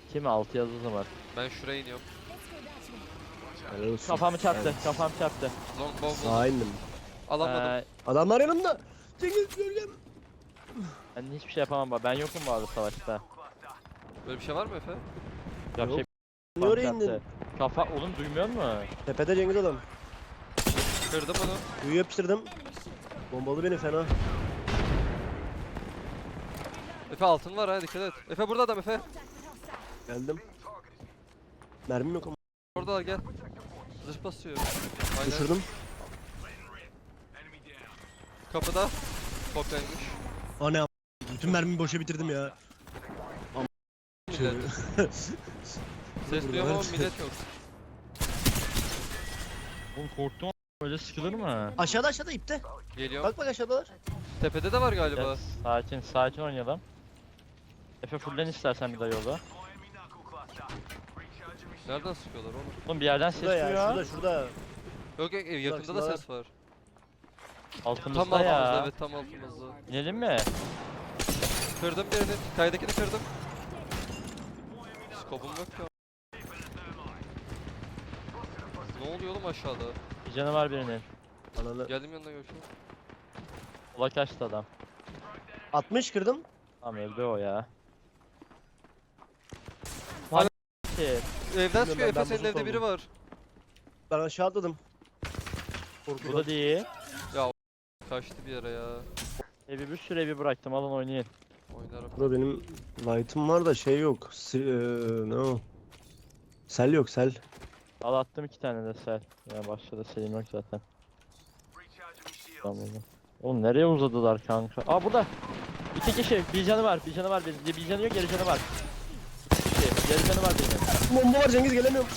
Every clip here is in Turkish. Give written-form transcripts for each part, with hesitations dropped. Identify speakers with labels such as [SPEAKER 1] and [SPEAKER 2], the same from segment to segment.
[SPEAKER 1] 2 mi 6 yazısı var.
[SPEAKER 2] Ben şuraya iniyorum.
[SPEAKER 3] Helal olsun.
[SPEAKER 1] Kafamı çarptı,
[SPEAKER 3] Evet.
[SPEAKER 1] kafam çarptı.
[SPEAKER 2] Long bow buldum.
[SPEAKER 3] Sağa indim.
[SPEAKER 2] Alamadım.
[SPEAKER 3] Adamlar yanımda. Cengiz gölgem.
[SPEAKER 1] Ben hiçbir şey yapamam bak. Ben yokum bu arada savaşta.
[SPEAKER 2] Böyle bir şey var mı Efe?
[SPEAKER 1] Ya
[SPEAKER 3] Yok.
[SPEAKER 1] şey
[SPEAKER 3] Niye
[SPEAKER 1] kafam
[SPEAKER 3] oraya
[SPEAKER 1] çarptı.
[SPEAKER 3] indin?
[SPEAKER 1] Kafa oğlum duymuyor musun?
[SPEAKER 3] Tepede Cengiz adam.
[SPEAKER 2] Kırdım onu.
[SPEAKER 3] Kuyu yapıştırdım. Bombalı beni fena.
[SPEAKER 2] Efe altın var ha, dikkat et. Efe burada adam Efe.
[SPEAKER 3] Geldim. Mermim yok ama.
[SPEAKER 2] Orada gel. Zırh basıyor. Aynen.
[SPEAKER 3] Düşürdüm.
[SPEAKER 2] Kapıda. Kopyaymış.
[SPEAKER 3] Ana bütün mermimi boşa bitirdim ya.
[SPEAKER 2] Millet. Ses duyuyorum ama millet yok.
[SPEAKER 1] Oğlum korktum. Böyle sıkılır mı?
[SPEAKER 3] Aşağıda ipte.
[SPEAKER 2] Geliyorum.
[SPEAKER 3] Bak aşağıdalar.
[SPEAKER 2] Tepede de var galiba.
[SPEAKER 1] Gel, sakin oynayalım. Efe fullen istersen bir daha yolda.
[SPEAKER 2] Nereden sıkıyorlar oğlum?
[SPEAKER 1] Oğlum bir yerden ses
[SPEAKER 3] Şurada ya,
[SPEAKER 1] duyuyor.
[SPEAKER 3] şurada.
[SPEAKER 2] Yok yok, yakında da
[SPEAKER 3] şurada.
[SPEAKER 2] ses var.
[SPEAKER 1] Altımızda
[SPEAKER 2] Tam altımızda,
[SPEAKER 1] ya.
[SPEAKER 2] evet tam altımızda.
[SPEAKER 1] İnelim mi?
[SPEAKER 2] Kırdım birini, kaydakini kırdım. Skopum yok ya. Ne oluyor oğlum aşağıda?
[SPEAKER 1] Bir canı var birinin.
[SPEAKER 3] Ananı.
[SPEAKER 2] Geldim yanına görüşürüz.
[SPEAKER 1] Ula kaçtı adam.
[SPEAKER 3] 60 kırdım.
[SPEAKER 1] Tamam öldü o ya.
[SPEAKER 2] Hala-
[SPEAKER 1] Ki,
[SPEAKER 2] Evden
[SPEAKER 3] ben
[SPEAKER 2] çıkıyor Efe, senin
[SPEAKER 3] bozuk
[SPEAKER 2] evde biri
[SPEAKER 3] oldum.
[SPEAKER 2] var.
[SPEAKER 3] Ben aşağı atladım.
[SPEAKER 1] bu da
[SPEAKER 3] Korkudan.
[SPEAKER 1] değil.
[SPEAKER 2] Kaçtı bir yere ya.
[SPEAKER 1] Evi bir sürü evi bıraktım alın oynayın.
[SPEAKER 2] Oynarım.
[SPEAKER 3] Burada benim light'ım var da şey yok. Ne o? Sel yok sel.
[SPEAKER 1] Al attım 2 tane de sel. Ya başta da selim yok zaten. Tamam oğlum. Oğlum nereye uzadılar kanka? Aa burada. 2 kişi. Bir canı var. Bir canı var. Bir canı yok. Geri canı var. 2 kişi. Geri canı var benim.
[SPEAKER 3] Bomba var Cengiz gelemiyorum.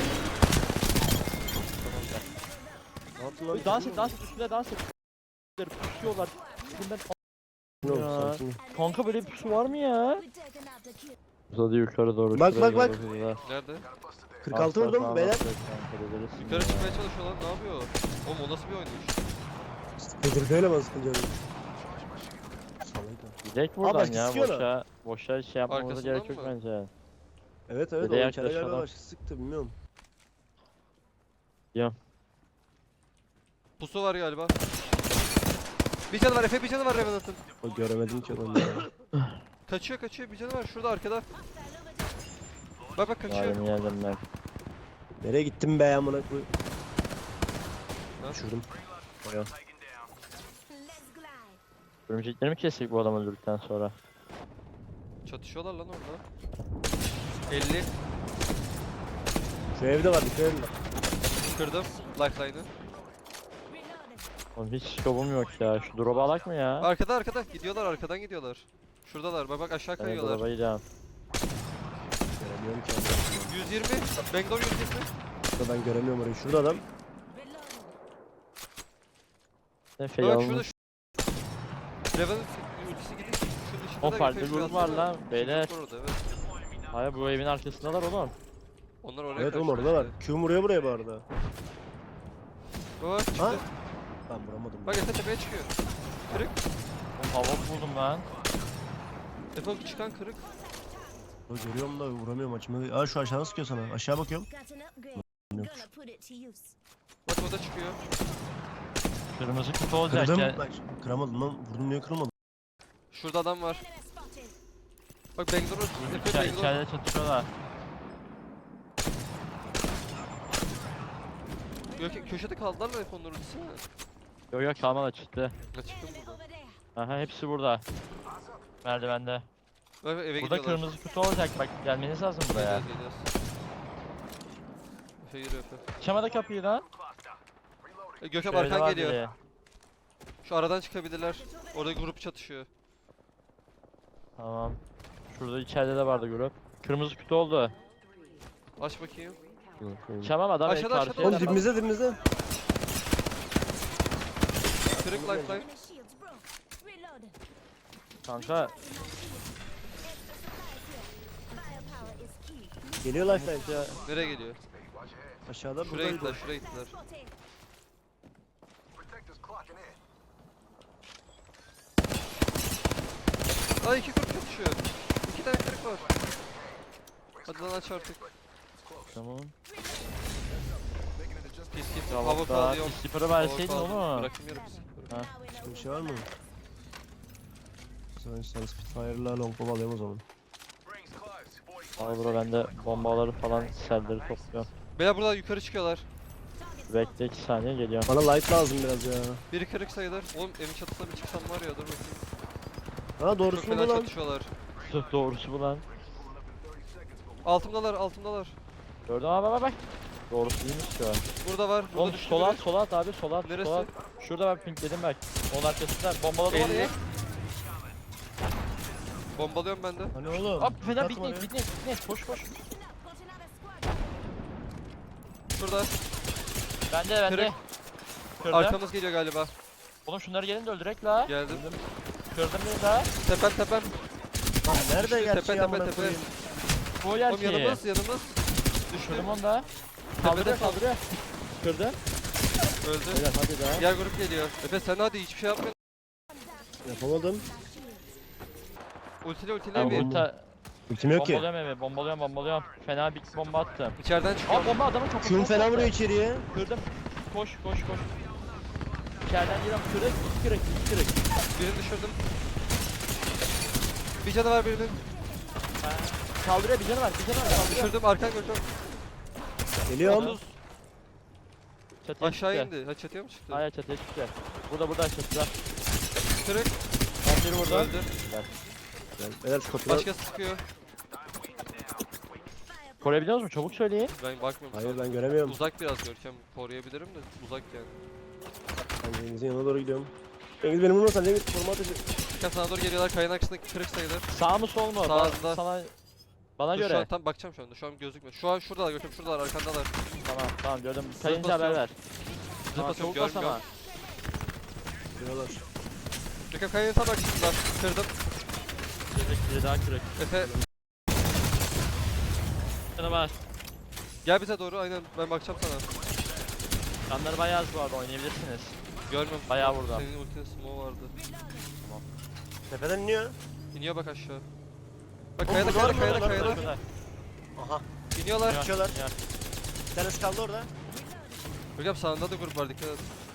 [SPEAKER 3] Ne yaptın lan?
[SPEAKER 1] Oy, dans et üstüne dans et. Pusuyorlar. Üstünden
[SPEAKER 3] Yok,
[SPEAKER 1] ya.
[SPEAKER 3] sakin.
[SPEAKER 1] Kanka böyle bir pusu var mı ya? Uzadı yukarı doğru.
[SPEAKER 3] Bak,
[SPEAKER 1] şuraya
[SPEAKER 3] bak,
[SPEAKER 1] doğru uzadı.
[SPEAKER 2] Nerede?
[SPEAKER 3] 46 vurdum beyler.
[SPEAKER 2] Yukarı çıkmaya çalışıyorlar, ne yapıyor? Oğlum o nasıl bir oyunmuş?
[SPEAKER 3] Kıdırgayla bana sıkınca.
[SPEAKER 1] Gidek buradan
[SPEAKER 3] başka
[SPEAKER 1] ya
[SPEAKER 3] sıkıyorlar.
[SPEAKER 1] boşa şey yapmamıza
[SPEAKER 2] Arkasından
[SPEAKER 1] gerek yok
[SPEAKER 2] mı?
[SPEAKER 1] bence.
[SPEAKER 3] Evet evet
[SPEAKER 1] Bir de
[SPEAKER 3] o içeri galiba
[SPEAKER 1] yaklaşalım.
[SPEAKER 3] başka sıktı bilmiyorum.
[SPEAKER 2] Pusu var galiba. Bir canı var Efe, bir canı var Revenant'ın.
[SPEAKER 3] O göremedim ki adamı ya.
[SPEAKER 2] Kaçıyor bir canı var şurada arkada. Bak kaçıyor.
[SPEAKER 1] Yardım geldim ben.
[SPEAKER 3] Nereye gittim be amına koy.
[SPEAKER 2] Ha?
[SPEAKER 3] Düşürdüm. Bayağı.
[SPEAKER 1] Örümcekleri mi kestik bu adamı öldürdükten sonra?
[SPEAKER 2] Çatışıyorlar lan orada. 50
[SPEAKER 3] Şu evde var dikkat edin.
[SPEAKER 2] kırdım lifeline'ı.
[SPEAKER 1] Oğlum hiç skobum yok ya. Şu drop'u alak mı ya?
[SPEAKER 2] Arkada gidiyorlar, arkadan gidiyorlar. Şuradalar, bak aşağı
[SPEAKER 1] Ben
[SPEAKER 2] kayıyorlar.
[SPEAKER 1] drop'a gideceğim.
[SPEAKER 3] Göremiyorum ki adamı.
[SPEAKER 2] 120 Bangor 120.
[SPEAKER 3] Şurada ben göremiyorum orayı. Şurada adam.
[SPEAKER 1] Efe'yi
[SPEAKER 2] Bak
[SPEAKER 1] almış.
[SPEAKER 2] şurada Revenant ultisi gidiyor. Şunun dışında
[SPEAKER 1] O
[SPEAKER 2] da
[SPEAKER 1] farklı
[SPEAKER 2] Efe
[SPEAKER 1] grup
[SPEAKER 2] şurası
[SPEAKER 1] var lan,
[SPEAKER 2] Çocuk
[SPEAKER 1] beyler.
[SPEAKER 2] var orada, evet.
[SPEAKER 1] Hayır bu evin arkasındalar oğlum.
[SPEAKER 2] Onlar oraya
[SPEAKER 3] Evet oğlum
[SPEAKER 2] kaçtı
[SPEAKER 3] orada var.
[SPEAKER 2] işte.
[SPEAKER 3] Q vuruyor buraya bu arada.
[SPEAKER 2] Bak çıktı.
[SPEAKER 3] Ha? Ben vuramadım.
[SPEAKER 2] Bak Efe tepeye çıkıyor. Kırık.
[SPEAKER 1] Oğlum hava buldum lan.
[SPEAKER 2] Efe çıkan kırık.
[SPEAKER 3] O görüyorum da vuramıyorum açımı. Aa şu aşağıdan sıkıyor sana. Aşağı bakıyorum.
[SPEAKER 2] Bak o da çıkıyor.
[SPEAKER 1] Kırmızı kutu olacak
[SPEAKER 3] Kırdım.
[SPEAKER 1] ya.
[SPEAKER 3] Bak, kıramadım lan. Vurdum niye kırılmadı?
[SPEAKER 2] Şurada adam var. Bak Bangor Efe Bangor.
[SPEAKER 1] İçeride çatışıyorlar.
[SPEAKER 2] Yok köşede kaldılar mı Efe onların ultisi?
[SPEAKER 1] Yok yok kalmadı çıktı.
[SPEAKER 2] Ne çıktım burada?
[SPEAKER 1] Aha hepsi burada. Merdivende.
[SPEAKER 2] Bak eve
[SPEAKER 1] Burada
[SPEAKER 2] gidiyorlar.
[SPEAKER 1] kırmızı kutu olacak bak gelmeniz lazım buraya.
[SPEAKER 2] Geliyoruz. Efe yürü Efe.
[SPEAKER 1] Açamadı kapıyı lan.
[SPEAKER 2] Gökhan
[SPEAKER 1] Şöyle
[SPEAKER 2] arkan
[SPEAKER 1] var
[SPEAKER 2] geliyor.
[SPEAKER 1] biri.
[SPEAKER 2] Şu aradan çıkabilirler. Orada grup çatışıyor.
[SPEAKER 1] Tamam. Şurada içeride de vardı grup. Kırmızı kutu oldu.
[SPEAKER 2] Aç bakayım.
[SPEAKER 1] Çamam adam
[SPEAKER 2] Aşağıda,
[SPEAKER 1] karşıya
[SPEAKER 2] aşağıda.
[SPEAKER 3] Oğlum
[SPEAKER 1] yapar.
[SPEAKER 3] dibimizde.
[SPEAKER 2] Kırık lifeline.
[SPEAKER 1] Kanka
[SPEAKER 3] Geliyor lifeline.
[SPEAKER 1] ya
[SPEAKER 2] Nereye geliyor?
[SPEAKER 3] Aşağıda
[SPEAKER 2] Şuraya
[SPEAKER 3] buradaydı.
[SPEAKER 2] gittiler, şuraya gittiler. Ay iki kırık çatışıyor. İki tane kırık var. Hadi lan aç artık.
[SPEAKER 1] Tamam.
[SPEAKER 2] Git git.
[SPEAKER 1] Tamam
[SPEAKER 2] Hava
[SPEAKER 1] daha
[SPEAKER 2] alıyorum.
[SPEAKER 1] skipper'ı
[SPEAKER 2] Hava
[SPEAKER 1] verseydin
[SPEAKER 2] aldım.
[SPEAKER 1] onu.
[SPEAKER 2] Bırakayım yarım skipper'ı.
[SPEAKER 1] Ha.
[SPEAKER 3] Bir şey var mı? Sen Spitfire'la longbow alayım o zaman.
[SPEAKER 1] Al bro ben de bombaları falan selleri topluyorum.
[SPEAKER 2] Beyler burada yukarı çıkıyorlar.
[SPEAKER 1] Bekle 2 saniye geliyorum.
[SPEAKER 3] Bana light lazım biraz ya.
[SPEAKER 2] Biri kırık sayılır. Oğlum evin çatısına bir çıksam var ya dur bakayım.
[SPEAKER 3] Ha
[SPEAKER 2] Çok
[SPEAKER 3] doğrusu
[SPEAKER 2] fena
[SPEAKER 3] mu lan?
[SPEAKER 2] çatışıyorlar.
[SPEAKER 1] Doğrusu bu lan.
[SPEAKER 2] Altımdalar altımdalar.
[SPEAKER 1] Gördün mü? Bak. Doğrusu değilmiş şu an.
[SPEAKER 2] Burada var. Burada
[SPEAKER 1] Oğlum
[SPEAKER 2] düştü
[SPEAKER 1] sola
[SPEAKER 2] biri.
[SPEAKER 1] at, sola at abi, sola at,
[SPEAKER 2] Neresi?
[SPEAKER 1] sola at. Şurada ben pinkledim bak. Onun arkasında bombaladım
[SPEAKER 2] 50.
[SPEAKER 1] orayı.
[SPEAKER 2] Bombalıyorum ben de.
[SPEAKER 3] Hani oğlum?
[SPEAKER 1] Hop fena
[SPEAKER 3] Atma ya.
[SPEAKER 1] bitnet, koş koş.
[SPEAKER 2] Şurada.
[SPEAKER 1] Bende.
[SPEAKER 2] Kırık.
[SPEAKER 1] Kırdım.
[SPEAKER 2] Arkamız geliyor galiba.
[SPEAKER 1] Oğlum şunları gelin de öldürek la.
[SPEAKER 2] Geldim.
[SPEAKER 1] Kırdım bir daha.
[SPEAKER 2] Tepem tepem.
[SPEAKER 3] Lan nerede
[SPEAKER 2] Düştü,
[SPEAKER 3] gerçi
[SPEAKER 2] tepe,
[SPEAKER 3] ya
[SPEAKER 2] tepe,
[SPEAKER 3] amına
[SPEAKER 2] tepe.
[SPEAKER 3] koyayım?
[SPEAKER 1] Bu
[SPEAKER 2] Oğlum
[SPEAKER 1] gerçeği.
[SPEAKER 2] yanımız yanımız.
[SPEAKER 1] Düşürdüm onu da. Kaldırıyor
[SPEAKER 2] kal.
[SPEAKER 1] kaldırıyor. Kırdı.
[SPEAKER 2] Öldü.
[SPEAKER 1] Evet hadi daha.
[SPEAKER 2] Diğer grup geliyor. Efe sen hadi hiçbir şey yapmıyorsun.
[SPEAKER 3] Yapamadım.
[SPEAKER 2] Ultile
[SPEAKER 1] Ben
[SPEAKER 2] bir.
[SPEAKER 3] Ultim yok ki.
[SPEAKER 1] Bombalıyorum. Fena bir bomba attım.
[SPEAKER 2] İçeriden çıkıyor.
[SPEAKER 1] Aa bomba adamın kafasına
[SPEAKER 3] Küm fena
[SPEAKER 1] attı.
[SPEAKER 3] vuruyor içeriye.
[SPEAKER 1] Kırdım. Koş. İçeriden giriyorum. Kırık.
[SPEAKER 2] Birini düşürdüm. Bir canı var birinin.
[SPEAKER 1] Kaldırıyor bir canı var. Kaldırıyor.
[SPEAKER 2] Düşürdüm arkan gördüm.
[SPEAKER 3] Geliyorum.
[SPEAKER 2] 30.
[SPEAKER 1] Çatıya
[SPEAKER 2] Aşağı
[SPEAKER 1] çıktı.
[SPEAKER 2] indi. Ha çatıya mı çıktı?
[SPEAKER 1] Hayır çatıya çıktı. Burada çatıda.
[SPEAKER 2] Kırık.
[SPEAKER 1] Biri burada.
[SPEAKER 2] Öldü.
[SPEAKER 3] Beyler şu kapıdan.
[SPEAKER 2] Başkası sıkıyor.
[SPEAKER 1] Koruyabiliyor musun? Çabuk söyleyin.
[SPEAKER 2] Ben bakmıyorum.
[SPEAKER 3] Hayır
[SPEAKER 2] şu an.
[SPEAKER 3] ben göremiyorum.
[SPEAKER 2] Uzak biraz Görkem. Koruyabilirim de uzak yani.
[SPEAKER 3] Ben Cengiz'in yanına doğru gidiyorum. Cengiz benim vurmasan Cengiz koruma ateşi.
[SPEAKER 2] Görkem sana doğru geliyorlar. Kayanın arkasındaki kırık sayılır.
[SPEAKER 1] Sağ mı sol mu?
[SPEAKER 2] Sağında.
[SPEAKER 1] Bana
[SPEAKER 2] Dur, şu
[SPEAKER 1] göre.
[SPEAKER 2] an tam bakacağım şu anda. Şu an gözükmüyor. Şu an şuradalar Görkem. Şuradalar arkandalar.
[SPEAKER 1] Tamam gördüm. Kayınca haber
[SPEAKER 2] basıyorum.
[SPEAKER 1] ver. Tamam
[SPEAKER 2] basıyorum,
[SPEAKER 1] çabuk bas
[SPEAKER 2] görmüyorum.
[SPEAKER 1] ama.
[SPEAKER 3] Diyorlar.
[SPEAKER 2] Görkem kayanın tam arkasında. Kırdım.
[SPEAKER 1] Biri daha kırık.
[SPEAKER 2] Efe
[SPEAKER 1] Sana var.
[SPEAKER 2] gel bize doğru. Aynen ben bakacağım sana.
[SPEAKER 1] Canları bayağı az bu arada oynayabilirsiniz.
[SPEAKER 2] Görmüyorum.
[SPEAKER 1] Bayağı vurdu.
[SPEAKER 2] Senin ultinin smoke vardı.
[SPEAKER 3] Tepeden iniyor.
[SPEAKER 2] İniyor bak aşağı. Bak
[SPEAKER 3] Oğlum,
[SPEAKER 2] kayada
[SPEAKER 3] bunlar
[SPEAKER 2] kayada
[SPEAKER 3] mı?
[SPEAKER 2] kayada
[SPEAKER 3] Bunlar
[SPEAKER 2] kayada.
[SPEAKER 3] Aha.
[SPEAKER 2] İniyorlar.
[SPEAKER 1] Ya,
[SPEAKER 3] Kaçıyorlar.
[SPEAKER 1] ya.
[SPEAKER 3] Bir tanesi kaldı orada.
[SPEAKER 2] Görkem sağında da grup var dikkat et.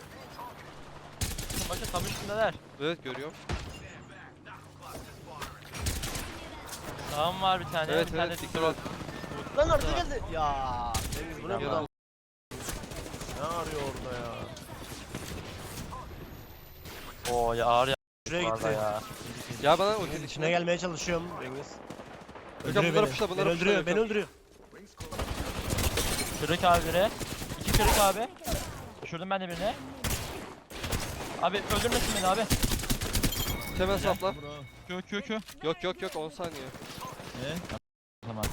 [SPEAKER 1] Bakın tam üstündeler.
[SPEAKER 2] Evet görüyorum.
[SPEAKER 1] Sağım var bir tane.
[SPEAKER 2] Evet
[SPEAKER 1] bir tane
[SPEAKER 2] evet
[SPEAKER 1] dikkat
[SPEAKER 2] dikkat
[SPEAKER 1] et.
[SPEAKER 2] et.
[SPEAKER 3] Lan orada geldi. Ya. Cengiz bu ne
[SPEAKER 1] Yanına.
[SPEAKER 3] burada? Ne arıyor orada ya?
[SPEAKER 1] Oo ya ağır ya.
[SPEAKER 3] Şuraya
[SPEAKER 1] Vallahi
[SPEAKER 3] gitti.
[SPEAKER 1] ya.
[SPEAKER 2] Ya bana ultinin
[SPEAKER 3] İçine
[SPEAKER 2] içine
[SPEAKER 3] gelmeye çalışıyorum Cengiz.
[SPEAKER 2] Görkem
[SPEAKER 3] Öldürüyor
[SPEAKER 2] bunları
[SPEAKER 3] beni.
[SPEAKER 2] puşla
[SPEAKER 3] Beni
[SPEAKER 2] bunları
[SPEAKER 3] öldürüyor,
[SPEAKER 2] puşla.
[SPEAKER 3] beni öldürüyor.
[SPEAKER 1] Kırık abi biri. 2 kırık abi. Düşürdüm ben de birini. Abi öldürmesin beni abi.
[SPEAKER 2] Hemen sapla.
[SPEAKER 1] Q.
[SPEAKER 2] Yok 10 saniye.
[SPEAKER 1] Tamam.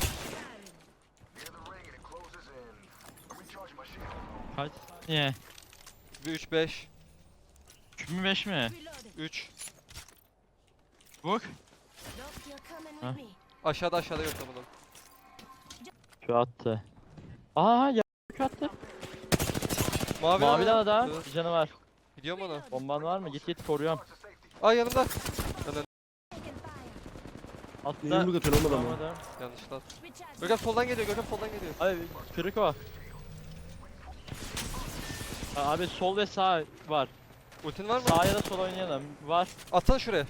[SPEAKER 1] Kaç? Niye?
[SPEAKER 2] 3 5
[SPEAKER 1] 3 mü 5 mi?
[SPEAKER 2] 3
[SPEAKER 1] Bak.
[SPEAKER 4] Huh?
[SPEAKER 2] aşağıda yok bunun.
[SPEAKER 1] Q attı. Aa ya Q attı.
[SPEAKER 2] Mavi
[SPEAKER 1] Maviden
[SPEAKER 2] adam.
[SPEAKER 1] adam.
[SPEAKER 2] Evet.
[SPEAKER 1] Bir canı var.
[SPEAKER 2] Gidiyorum ona.
[SPEAKER 1] Bomban var mı? Git koruyorum.
[SPEAKER 2] Aa yanımda.
[SPEAKER 1] Atla.
[SPEAKER 3] Niye yumruk atıyorsun oğlum adamı?
[SPEAKER 1] Tamam.
[SPEAKER 2] Yanlışla. Görkem soldan geliyor.
[SPEAKER 1] Abi kırık o. Abi sol ve sağ var.
[SPEAKER 2] Ultin var mı?
[SPEAKER 1] Sağ ya da sol oynayalım. Var.
[SPEAKER 2] Atsana şuraya.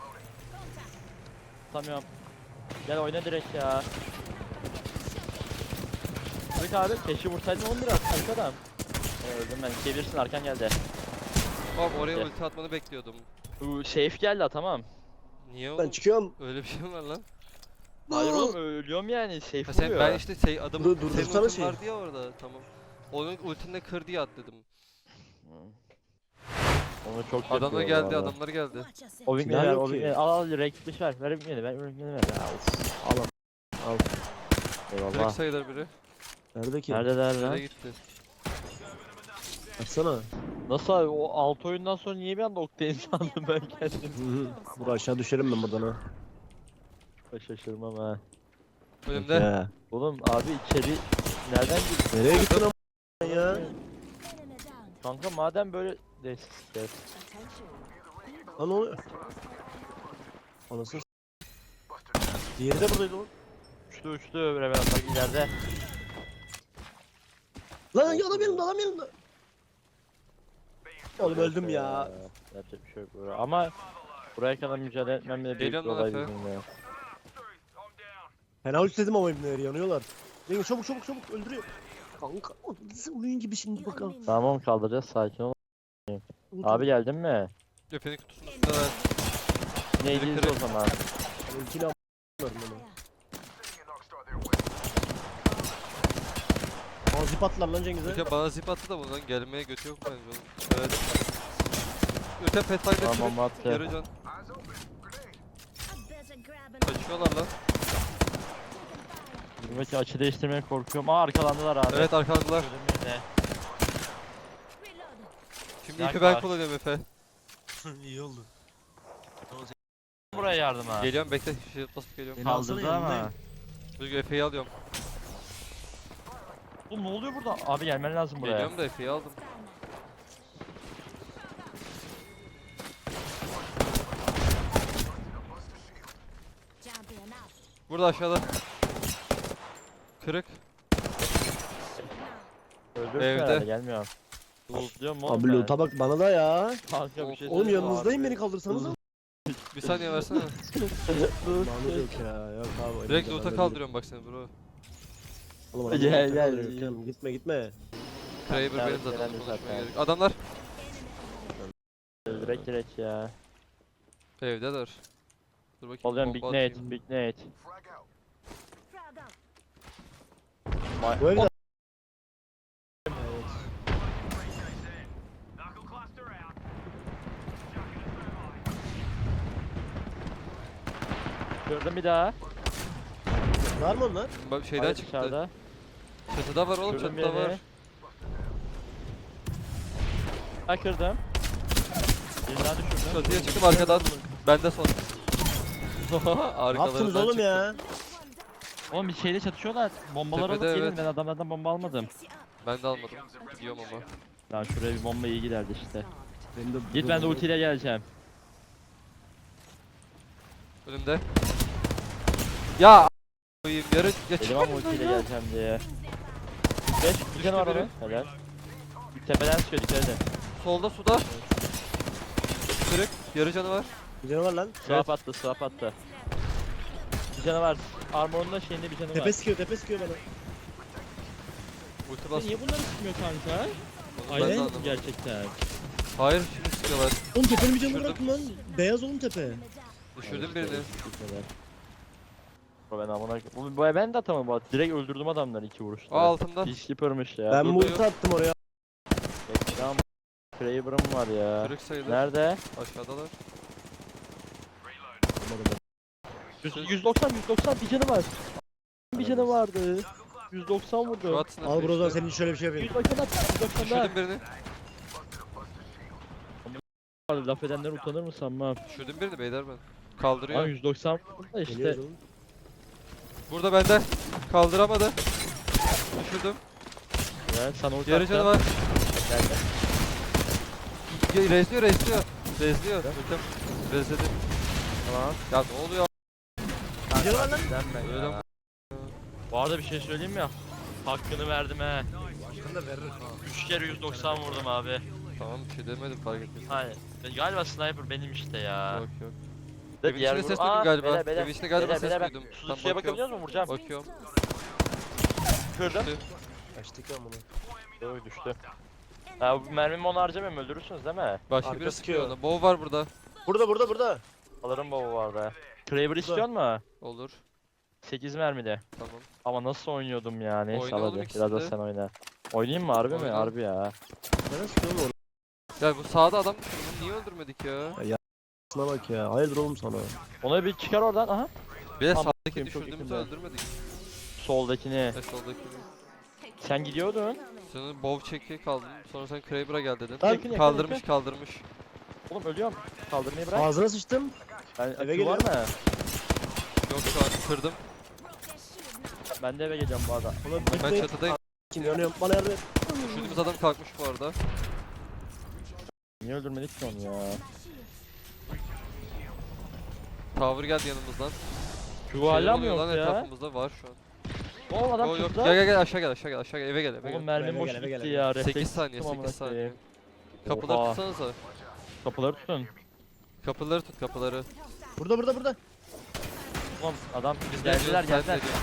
[SPEAKER 1] Tamam. Gel oyna direkt ya. Kırık abi keşke vursaydın 11 at. Kırık adam. Öldüm ben. Çevirsin arkan geldi.
[SPEAKER 2] Tamam oraya
[SPEAKER 1] Gel.
[SPEAKER 2] ulti atmanı bekliyordum.
[SPEAKER 1] Safe geldi tamam.
[SPEAKER 2] Niye
[SPEAKER 3] Ben
[SPEAKER 2] oğlum?
[SPEAKER 3] çıkıyorum.
[SPEAKER 2] Öyle bir şey mi var lan?
[SPEAKER 1] Hayır oğlum ölüyorum yani safe
[SPEAKER 2] Ha sen
[SPEAKER 1] vuruyor.
[SPEAKER 2] ben işte adamın
[SPEAKER 3] Dur,
[SPEAKER 2] senin
[SPEAKER 3] durdursana
[SPEAKER 2] ultin
[SPEAKER 3] şeyi.
[SPEAKER 2] vardı ya orada tamam. Onun ultinle kır diye at dedim.
[SPEAKER 1] Onu çok
[SPEAKER 2] Adamlar
[SPEAKER 1] kötü
[SPEAKER 2] geldi,
[SPEAKER 1] valla.
[SPEAKER 2] adamlar geldi.
[SPEAKER 1] O
[SPEAKER 3] Silah
[SPEAKER 1] bilmeyi ver,
[SPEAKER 3] yok
[SPEAKER 1] o
[SPEAKER 3] ki.
[SPEAKER 1] bilmeyi al renkli ver, ver bilmeyi ver, bilmeyi ver. Ya of.
[SPEAKER 3] Al al.
[SPEAKER 2] Direkt
[SPEAKER 1] Eyvallah.
[SPEAKER 2] sayılır biri.
[SPEAKER 3] Nerede ki?
[SPEAKER 1] Neredeler lan?
[SPEAKER 2] Nereye gitti?
[SPEAKER 3] Açsana.
[SPEAKER 1] Nasıl abi o 6 oyundan sonra niye bir anda Octane sandım ben kendim?
[SPEAKER 3] Hı hı. Bura aşağı düşerim ben buradan ha.
[SPEAKER 1] Şaşırmam ha.
[SPEAKER 2] Önümde.
[SPEAKER 3] Ya.
[SPEAKER 1] Oğlum abi içeri nereden girdin?
[SPEAKER 3] Nereye gittin ama ya?
[SPEAKER 1] Kanka madem böyle neyse. Evet.
[SPEAKER 3] Lan ne oluyor? Anasını s- Diğeri de buradaydı oğlum.
[SPEAKER 1] uçtu. Revenant bak ileride.
[SPEAKER 3] Lan adam yanımda adam yanımda. Oğlum öldüm ya.
[SPEAKER 1] Yapacak bir şey yok burada. Ama buraya kadar mücadele etmem bile büyük bir
[SPEAKER 2] Geliyorum lan
[SPEAKER 1] olay
[SPEAKER 2] Efe.
[SPEAKER 1] bizim ya.
[SPEAKER 3] Fena istedim ama ibneleri yanıyorlar. Cengiz çabuk öldürüyor. Kanka o nasıl oyun gibi şimdi bakalım.
[SPEAKER 1] Tamam kaldıracağız sakin ol. Abi geldin mi?
[SPEAKER 2] Cephenin kutusunun üstünde var.
[SPEAKER 1] Neydiyiz o zaman?
[SPEAKER 3] Ultiyle a**larım onu. Aa zip attılar lan Cengiz'e.
[SPEAKER 2] Öte bana zip attı da bundan gelmeye götü yok bence oğlum. Evet. Öte Pathfinder
[SPEAKER 1] Tamam,
[SPEAKER 2] kırık.
[SPEAKER 1] attı.
[SPEAKER 2] Yarı can.
[SPEAKER 4] I better grab an
[SPEAKER 2] Kaçıyorlar lan.
[SPEAKER 1] Buradaki açı değiştirmeye korkuyorum. Aa arkalandılar abi.
[SPEAKER 2] Evet arkalandılar.
[SPEAKER 1] Gördüm yine.
[SPEAKER 4] reload.
[SPEAKER 2] Şimdi
[SPEAKER 1] Yak
[SPEAKER 2] ipi ben
[SPEAKER 1] var.
[SPEAKER 2] kullanıyorum Efe.
[SPEAKER 3] İyi oldu.
[SPEAKER 1] Buraya yardıma.
[SPEAKER 2] Geliyorum bekle. Şey basıp geliyorum.
[SPEAKER 3] Beni alsana
[SPEAKER 1] Kaldırdı ama.
[SPEAKER 3] yanındayım.
[SPEAKER 2] Dur Efe'yi alıyorum.
[SPEAKER 1] Oğlum ne oluyor burada? Abi gelmen lazım buraya.
[SPEAKER 2] Geliyorum da Efe'yi aldım.
[SPEAKER 4] Jumping up.
[SPEAKER 2] Burada aşağıda. Kırık.
[SPEAKER 1] Öldürsün
[SPEAKER 2] Evde.
[SPEAKER 1] herhalde gelmiyorum. Diyorum oğlum
[SPEAKER 3] Abi
[SPEAKER 1] ben.
[SPEAKER 3] loot'a bak bana da ya.
[SPEAKER 1] Kanka bir şey
[SPEAKER 3] Oğlum
[SPEAKER 1] söyleyeyim mi
[SPEAKER 3] yanınızdayım
[SPEAKER 1] abi?
[SPEAKER 3] beni kaldırsanız.
[SPEAKER 2] Bir saniye versene.
[SPEAKER 3] Lanet yok ya. Yok abi.
[SPEAKER 2] Direkt
[SPEAKER 3] elimde,
[SPEAKER 2] loot'a
[SPEAKER 3] ben
[SPEAKER 2] kaldırıyorum bak seni bro.
[SPEAKER 3] Oğlum adam
[SPEAKER 1] Gel,
[SPEAKER 3] loot'a
[SPEAKER 1] gel.
[SPEAKER 3] kaldırıyor. Canım, gitme.
[SPEAKER 2] Kraber
[SPEAKER 1] Tamam,
[SPEAKER 2] benim zaten
[SPEAKER 1] gelen de
[SPEAKER 2] konuşmaya
[SPEAKER 1] zaten.
[SPEAKER 2] gerek. Adamlar
[SPEAKER 1] Direkt ya.
[SPEAKER 2] evdeler. Dur bakayım.
[SPEAKER 1] Oluyorum Big
[SPEAKER 2] bomba
[SPEAKER 1] Nate,
[SPEAKER 2] atayım.
[SPEAKER 1] Big Nate.
[SPEAKER 4] Frag out.
[SPEAKER 3] Bu evde.
[SPEAKER 1] Gördüm bir daha.
[SPEAKER 3] Var mı onlar?
[SPEAKER 2] Bak şeyden
[SPEAKER 1] Hayır,
[SPEAKER 2] çıktı.
[SPEAKER 1] dışarıda.
[SPEAKER 2] Çatıda var oğlum
[SPEAKER 1] Gördüm
[SPEAKER 2] çatıda
[SPEAKER 1] birini.
[SPEAKER 2] var.
[SPEAKER 1] Ha kırdım. Birini daha düşürdüm.
[SPEAKER 2] Çatıya çıktım arkadan. Bende son.
[SPEAKER 3] Ne yaptınız
[SPEAKER 2] Arkalarından
[SPEAKER 3] oğlum
[SPEAKER 2] çıktım.
[SPEAKER 3] ya?
[SPEAKER 1] Oğlum bir şeyle çatışıyorlar. Bombalar alıp
[SPEAKER 2] Tepede,
[SPEAKER 1] gelin
[SPEAKER 2] evet.
[SPEAKER 1] ben adamlardan bomba almadım.
[SPEAKER 4] Fix you up.
[SPEAKER 2] Ben de almadım. Gidiyorum ama.
[SPEAKER 1] Ya şuraya bir bomba iyi giderdi işte.
[SPEAKER 3] Benim de
[SPEAKER 1] Git ben de ultiyle geleceğim.
[SPEAKER 2] Önümde. Ya koyayım yarı ya
[SPEAKER 1] Dedim
[SPEAKER 2] çık.
[SPEAKER 1] ama ultiyle geleceğim diye. 5 bir tane var
[SPEAKER 2] biri.
[SPEAKER 1] onun. Helal. Tepeden sıkıyor dikkat edin.
[SPEAKER 2] Solda suda. Kırık. Yarı canı var.
[SPEAKER 3] Bir canı var lan.
[SPEAKER 1] Swap attı, swap attı. Bir canı var. Armor'un da şeyinde bir canı
[SPEAKER 3] Tepe
[SPEAKER 1] var.
[SPEAKER 3] sıkıyor bana.
[SPEAKER 2] Ulti bas.
[SPEAKER 1] Niye bunları sıkmıyor kanka?
[SPEAKER 2] Onu ben de
[SPEAKER 1] Aynen
[SPEAKER 2] anlamadım.
[SPEAKER 1] gerçekten.
[SPEAKER 2] Hayır şimdi sıkıyorlar.
[SPEAKER 3] Oğlum tepenin bir canı
[SPEAKER 2] Düşürdüm.
[SPEAKER 3] bırakın lan. Beyaz oğlum tepe.
[SPEAKER 2] Düşürdüm birini.
[SPEAKER 1] Ben amına bu ben de atamadım bu arada. Direkt öldürdüm adamları 2 vuruşta.
[SPEAKER 2] Aa altında.
[SPEAKER 1] Peacekeeper'mış ya.
[SPEAKER 3] Ben
[SPEAKER 2] burada
[SPEAKER 3] multi
[SPEAKER 2] yok.
[SPEAKER 3] attım oraya.
[SPEAKER 1] Tamam. Kraber'ım var ya.
[SPEAKER 2] Kırık sayılır.
[SPEAKER 1] Nerede?
[SPEAKER 2] Aşağıdalar.
[SPEAKER 1] 190 bir canı var. Bir canı vardı. 190
[SPEAKER 2] Şu
[SPEAKER 1] vurdu.
[SPEAKER 2] atsın
[SPEAKER 3] Al Brozan senin için şöyle bir şey yapayım.
[SPEAKER 1] 190 at. 190 da.
[SPEAKER 2] Düşürdüm birini.
[SPEAKER 1] Laf edenler utanır mı sanmam.
[SPEAKER 2] Düşürdüm birini beyler ben.
[SPEAKER 1] Ama
[SPEAKER 2] Kaldırıyor.
[SPEAKER 1] 190 vurdu da işte.
[SPEAKER 3] Geliyoruz oğlum.
[SPEAKER 2] Burada bende. Kaldıramadı. Düşürdüm.
[SPEAKER 1] Ya sana ulti
[SPEAKER 2] Yarı canı
[SPEAKER 1] attım.
[SPEAKER 2] var.
[SPEAKER 1] Geldi.
[SPEAKER 2] Rezliyor. Rezliyor. Ötem. Rezledi.
[SPEAKER 1] Tamam.
[SPEAKER 2] Ya ne oluyor?
[SPEAKER 3] Bir canı var lan.
[SPEAKER 1] Denme
[SPEAKER 2] Öyle
[SPEAKER 1] ya.
[SPEAKER 2] mi?
[SPEAKER 1] Bu arada bir şey söyleyeyim mi? Hakkını verdim he.
[SPEAKER 3] Başkan da verir.
[SPEAKER 1] 3 kere 190 vurdum abi.
[SPEAKER 2] Tamam bir şey demedim fark ettim.
[SPEAKER 1] Hayır. Galiba sniper benim işte ya.
[SPEAKER 2] Yok yok.
[SPEAKER 1] De
[SPEAKER 2] Evin içinde ses duydum galiba. Evin içinde galiba ses duydum.
[SPEAKER 1] Suya bakabiliyor
[SPEAKER 2] bakıyorum.
[SPEAKER 1] musun? Vuracağım.
[SPEAKER 2] Bakıyorum.
[SPEAKER 1] Kırdım.
[SPEAKER 2] Düştü.
[SPEAKER 3] Kaçtık lan bunu.
[SPEAKER 1] Doğru düştü. Ha bu mermimi onu harcamayayım öldürürsünüz değil mi?
[SPEAKER 2] Başka
[SPEAKER 3] Arka
[SPEAKER 2] biri sıkıyor
[SPEAKER 3] sıkıyor.
[SPEAKER 2] ona. Bow var burada.
[SPEAKER 3] Burada.
[SPEAKER 1] Alırım baba vardı. Kraber istiyor mu?
[SPEAKER 2] Olur.
[SPEAKER 1] 8 mermide.
[SPEAKER 2] Tamam.
[SPEAKER 1] Ama nasıl oynuyordum ya neyse
[SPEAKER 2] Oyna
[SPEAKER 1] al
[SPEAKER 2] oğlum
[SPEAKER 1] hadi.
[SPEAKER 2] ikisini
[SPEAKER 1] Biraz da
[SPEAKER 2] de.
[SPEAKER 1] sen oyna. Oynayayım mı harbi mi?
[SPEAKER 2] Oyna.
[SPEAKER 1] Harbi ya.
[SPEAKER 3] Nereye sıkıyor oğlum?
[SPEAKER 2] Ya bu sağda adam düşürdü. Bunu niye öldürmedik ya?
[SPEAKER 3] Şuna bak ya. Hayırdır oğlum sana.
[SPEAKER 1] Ona bir çıkar oradan aha.
[SPEAKER 2] Bir de
[SPEAKER 1] Tamam,
[SPEAKER 2] sağdaki
[SPEAKER 1] çok
[SPEAKER 2] düşürdüğümüzü
[SPEAKER 1] yakında.
[SPEAKER 2] öldürmedik.
[SPEAKER 1] Soldakini.
[SPEAKER 2] Soldakini.
[SPEAKER 1] Sen gidiyordun.
[SPEAKER 2] Senin bow çeki kaldın. Sonra sen Kraber'a gel dedin.
[SPEAKER 3] Lan,
[SPEAKER 1] yakın,
[SPEAKER 2] Kaldırmış.
[SPEAKER 1] Oğlum ölüyorum. Kaldırmayı bırak.
[SPEAKER 3] Ağzına sıçtım.
[SPEAKER 1] Ben
[SPEAKER 3] eve
[SPEAKER 1] akü var
[SPEAKER 3] geliyorum.
[SPEAKER 1] mı?
[SPEAKER 2] Yok şu an kırdım.
[SPEAKER 1] Ben de eve geleceğim bu arada.
[SPEAKER 3] Ulan
[SPEAKER 2] Ben
[SPEAKER 3] bekle.
[SPEAKER 2] çatıdayım.
[SPEAKER 3] Kim yanıyorum? Bana yardım et.
[SPEAKER 2] Düşürdüğümüz adam kalkmış bu arada.
[SPEAKER 1] Niye öldürmedik ki onu ya?
[SPEAKER 2] Tower geldi yanımızdan.
[SPEAKER 1] Şu hala mı
[SPEAKER 2] oluyor
[SPEAKER 1] yok
[SPEAKER 2] lan
[SPEAKER 1] ya?
[SPEAKER 2] etrafımızda var şu an.
[SPEAKER 1] Oğlum adam
[SPEAKER 2] Yok yok
[SPEAKER 1] çıktı.
[SPEAKER 2] gel aşağı gel aşağı gel aşağı gel eve gel eve
[SPEAKER 1] Oğlum
[SPEAKER 2] gel.
[SPEAKER 1] mermim
[SPEAKER 3] Eve
[SPEAKER 1] boş
[SPEAKER 3] gel, eve
[SPEAKER 1] gitti
[SPEAKER 3] gel,
[SPEAKER 1] ya.
[SPEAKER 2] 8
[SPEAKER 1] Refleks
[SPEAKER 2] saniye
[SPEAKER 1] tuttum amına
[SPEAKER 2] 8 saniye.
[SPEAKER 1] koyayım.
[SPEAKER 2] Kapıları
[SPEAKER 1] Oha.
[SPEAKER 2] tutsanıza.
[SPEAKER 1] Kapıları tutun.
[SPEAKER 2] Kapıları tut kapıları.
[SPEAKER 3] Burada burada burada.
[SPEAKER 1] Oğlum adam
[SPEAKER 2] Biz
[SPEAKER 1] geldiler
[SPEAKER 2] ne diyoruz, sen
[SPEAKER 1] geldiler.
[SPEAKER 2] ne diyorsun?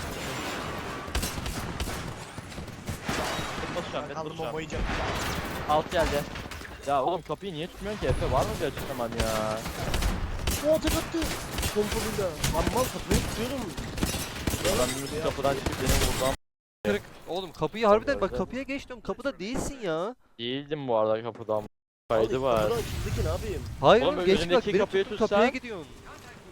[SPEAKER 1] Basacağım ben
[SPEAKER 3] Kaldım
[SPEAKER 1] duracağım.
[SPEAKER 3] bombayı yiyeceğim.
[SPEAKER 1] Alt geldi. Ya oğlum kapıyı niye tutmuyorsun ki Efe? Var mı bir açıklaman ya?
[SPEAKER 3] O tek attı. Pompalıyla. Lan mal kapıyı tutuyorum.
[SPEAKER 1] Adam bir kapıdan çıkıp beni vurdu ama
[SPEAKER 2] Kırık. Oğlum kapıyı harbiden bak
[SPEAKER 1] Öyle.
[SPEAKER 2] kapıya geç diyorum kapıda değilsin ya.
[SPEAKER 1] değildim bu arada kapıdan. Kaydı var.
[SPEAKER 3] Kapıdan açıldaki ne yapayım?
[SPEAKER 2] Hayır
[SPEAKER 1] Oğlum,
[SPEAKER 2] oğlum geç bak
[SPEAKER 1] önündeki
[SPEAKER 2] beni
[SPEAKER 1] kapıyı
[SPEAKER 2] tuttun
[SPEAKER 1] tutsan-
[SPEAKER 2] kapıya gidiyorsun.